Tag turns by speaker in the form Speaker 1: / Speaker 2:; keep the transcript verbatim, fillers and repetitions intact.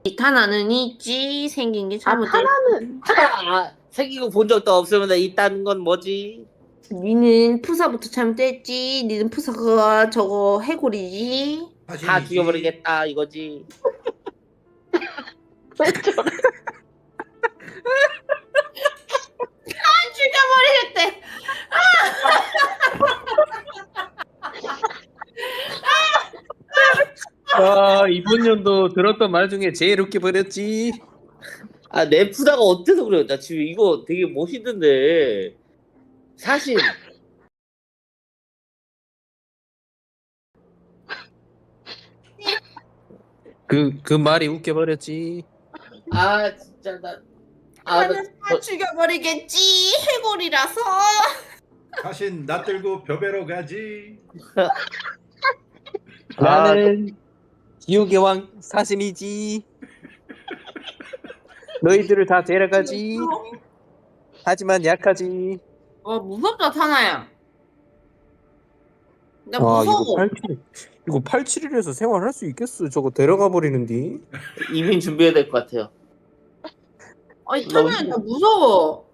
Speaker 1: 타나는 있지. 생긴 게
Speaker 2: 아,
Speaker 1: 잘못됐지.
Speaker 2: 타나는
Speaker 3: 아, 새끼고 본 적도 없으면 있다는 건 뭐지?
Speaker 1: 니는 푸사부터 잘못됐지. 니는 푸사가 저거 해골이지.
Speaker 3: 다
Speaker 4: 사신이지.
Speaker 3: 죽여버리겠다 이거지.
Speaker 2: 왜 저래?
Speaker 1: 죽여버리겠대.
Speaker 5: 아, 이번 연도 들었던 말 중에 제일 웃겨 버렸지.
Speaker 3: 아, 내 푸다가 어때서 그래요? 나 지금 이거 되게 멋있는데. 사실
Speaker 5: 그, 그 말이 웃겨 버렸지.
Speaker 3: 아 진짜 나 아, 나,
Speaker 1: 나는 다 죽여버리겠지. 해골이라서.
Speaker 4: 사신 나 들고 벼베러 가지.
Speaker 5: 나는 지옥의 왕 사신이지. 너희들을 다 데려가지. 하지만 약하지.
Speaker 1: 와 무섭다 타나야. 나
Speaker 5: 아, 이거
Speaker 1: 무서워.
Speaker 5: 팔십칠, 이거 팔십칠일에서 생활할 수 있겠어. 저거 데려가 버리는디.
Speaker 3: 이민 준비해야 될 것 같아요.
Speaker 1: 아니 타나야 나 무서워.